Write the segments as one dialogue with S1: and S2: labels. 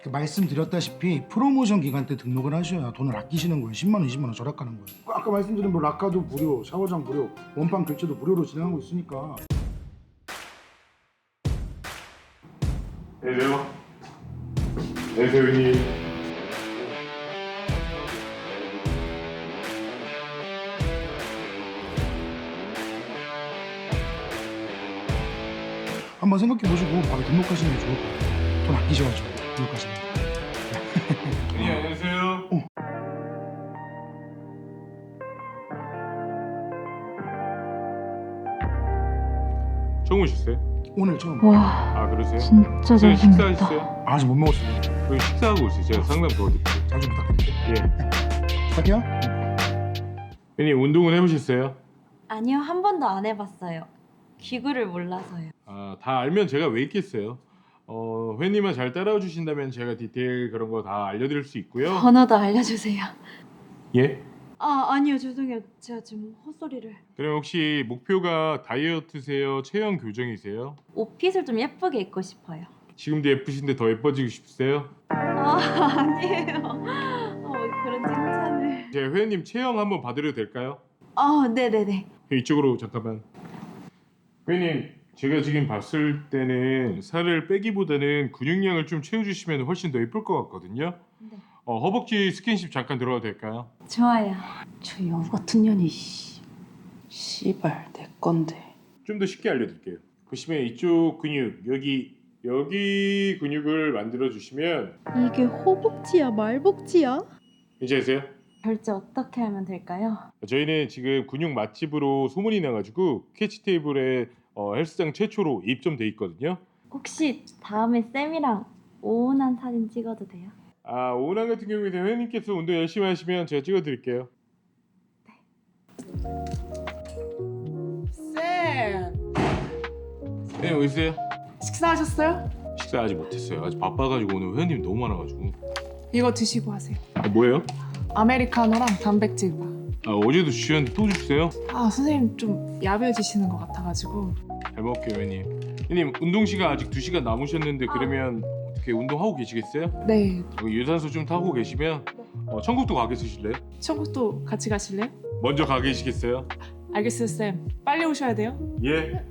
S1: 말씀드렸다시피 프로모션 기간 때 등록을 하셔야 돈을 아끼시는 거예요. 10만 원, 20만 원 절약하는 거예요. 아까 말씀드린 뭐 락카도 무료, 샤워장 무료, 원판 교체도 무료로 진행하고 있으니까.
S2: 안녕하세요. 안녕하세요, 형님.
S1: 한번 생각해 보시고 바로 등록하시는 게 좋을 것 같아요. 돈 아끼셔가지고 등록하시는 거.
S2: 형님, 안녕하세요. 처음 오셨어요?
S1: 오늘 처음.
S3: 와,
S2: 아, 그러세요?
S3: 진짜
S2: 지금
S3: 잘생겼다.
S2: 식사하셨어요?
S1: 아직 못 먹었어요.
S2: 여기 식사하고 있어요. 제가 상담 도와드릴게요.
S1: 잘 좀 부탁드릴게요.
S2: 예.
S1: 부탁해요.
S2: 형님, 운동은 해보셨어요?
S3: 아니요, 한 번도 안 해봤어요. 기구를 몰라서요.
S2: 아, 다 알면 제가 왜 있겠어요. 회님만 잘 따라와 주신다면 제가 디테일 그런 거 다 알려드릴 수 있고요.
S3: 번호도 알려주세요.
S2: 예?
S3: 아니요, 죄송해요. 제가 지금 헛소리를.
S2: 그럼 혹시 목표가 다이어트세요? 체형 교정이세요?
S3: 옷핏을 좀 예쁘게 입고 싶어요.
S2: 지금도 예쁘신데 더 예뻐지고 싶으세요?
S3: 아니에요. 그런 칭찬을.
S2: 제 회원님 체형 한번 봐드려도 될까요?
S3: 네네네.
S2: 이쪽으로 잠깐만. 회원님, 제가 지금 봤을 때는 살을 빼기보다는 근육량을 좀 채워주시면 훨씬 더 예쁠 것 같거든요.
S3: 네.
S2: 허벅지 스킨십 잠깐 들어가도 될까요?
S3: 좋아요.
S4: 저 여우 같은 년이 씨발 내 건데.
S2: 좀 더 쉽게 알려드릴게요. 보시면 이쪽 근육 여기 근육을 만들어 주시면
S5: 이게 허벅지야 말벅지야?
S2: 괜찮으세요?
S3: 결제 어떻게 하면 될까요?
S2: 저희는 지금 근육 맛집으로 소문이 나가지고 캐치 테이블에 헬스장 최초로 입점돼 있거든요.
S3: 혹시 다음에 쌤이랑 오운한 사진 찍어도 돼요?
S2: 아, 오남 같은 경우에는 회원님께서 운동 열심히 하시면 제가 찍어드릴게요.
S4: 쌤
S2: 네, 어디 있어요?
S4: 식사하셨어요?
S2: 식사 아직 못했어요. 아직 바빠가지고 오늘 회원님 너무 많아가지고.
S4: 이거 드시고 하세요.
S2: 뭐예요?
S4: 아메리카노랑 단백질 바.
S2: 어제도 주셨는데 또 주세요?
S4: 선생님 좀 야비해지시는 것 같아가지고.
S2: 잘 먹을게요, 회원님. 회원님, 운동 시간 아직 2시간 남으셨는데 그러면 어떻게 운동하고 계시겠어요?
S4: 네.
S2: 여기 유산소 좀 타고 계시면 천국도 가 계실래요?
S4: 천국도 같이 가실래요?
S2: 먼저 가 계시겠어요?
S4: 알겠어요 쌤. 빨리 오셔야 돼요.
S2: 예.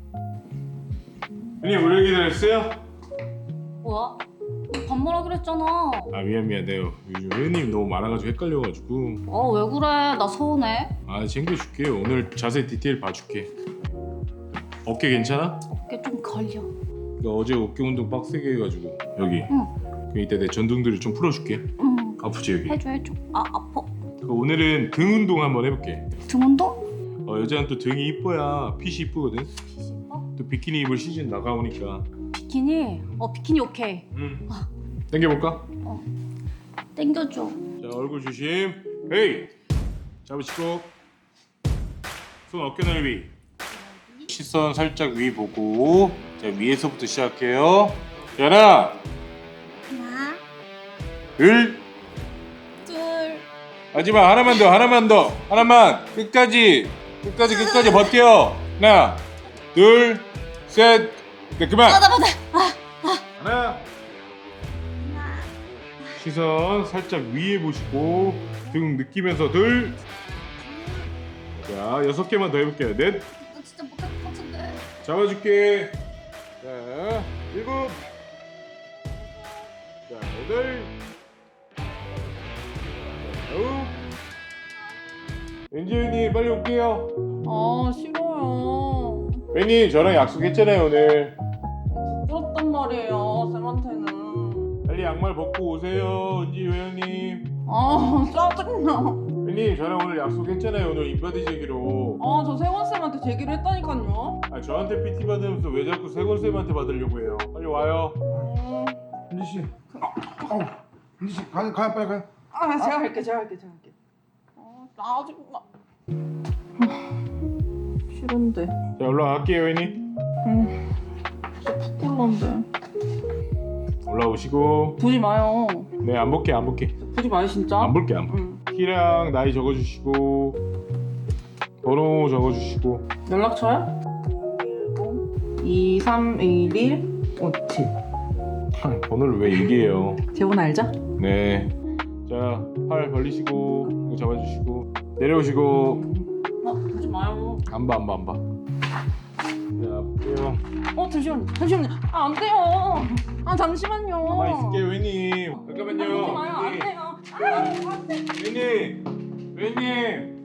S2: 회원님, 오래 기다렸어요?
S6: 뭐야? 밥 먹으라 그랬잖아.
S2: 아, 미안해요. 요즘 회원님 너무 많아가지고 헷갈려가지고.
S6: 왜 그래? 나 서운해.
S2: 아, 챙겨줄게요. 오늘 자세히 디테일 봐줄게. 어깨 괜찮아?
S6: 어깨 좀 걸려.
S2: 나 어제 어깨 운동 빡세게 해가지고 여기. 그럼 이따 내 전등들을 좀 풀어줄게.
S6: 응.
S2: 아프지 여기?
S6: 해줘. 아파.
S2: 오늘은 등 운동 한번 해볼게.
S6: 등 운동?
S2: 여자는 또 등이 이뻐야 핏이 이쁘거든.
S6: 뒤집어?
S2: 또 비키니 입을 시즌 나가오니까.
S6: 비키니? 비키니 오케이.
S2: 당겨볼까?
S6: 땡겨줘.
S2: 자, 얼굴 조심. 헤이. 잡으시고 손 어깨 넓이. 시선 살짝 위 보고. 자, 위에서부터 시작해요. 자, 하나,
S6: 하나,
S2: 둘.
S6: 둘.
S2: 마지막 하나만 더. 하나만. 끝까지 버텨. 하나, 둘, 셋. 네, 그만.
S6: 받아.
S2: 하나. 시선 살짝 위에 보시고 등 느끼면서 둘. 자, 6개만 더 해볼게요. 넷.
S6: 나 진짜 못할 것 같은데.
S2: 잡아줄게. 자, 7. 자, 8. 자, 9. 엔지현님 빨리 올게요.
S4: 싫어요.
S2: 웬님 저랑 약속했잖아요 오늘.
S4: 부끄럽단 말이에요 쌤한테는.
S2: 빨리 양말 벗고 오세요 은지 회원님.
S4: 짜증나.
S2: 웬님 저랑 오늘 약속했잖아요 오늘 인바디 제기로.
S4: 저 세원쌤한테 제기를 했다니까요.
S2: 아, 저한테 PT 받으면서 왜 자꾸 세곤쌤한테 받으려고 해요. 빨리 와요.
S1: 은지 씨. 은지 씨 가요 빨리 가요.
S4: 제가 할게. 짜증나. 싫은데.
S2: 자, 올라갈게요 회원님.
S4: 진짜 부끄러운데.
S2: 올라오시고.
S4: 보지 마요.
S2: 네, 안 볼게.
S4: 보지 마요 진짜.
S2: 안 볼게.
S4: 응.
S2: 키랑 나이 적어주시고 번호 적어주시고.
S4: 연락처요? 2311 57.
S2: 번호를 왜 얘기해요?
S4: 제 번호 알죠?
S2: 네. 자, 팔 벌리시고 이거 잡아주시고 내려오시고.
S4: 보지 마요.
S2: 안 봐. 자, 볼게요.
S4: 잠시만요. 안 돼요. 잠시만요.
S2: 가만히 있을게요, 회님.
S4: 보지
S2: 잠깐만요.
S4: 마요. 안 돼요.
S2: 회님.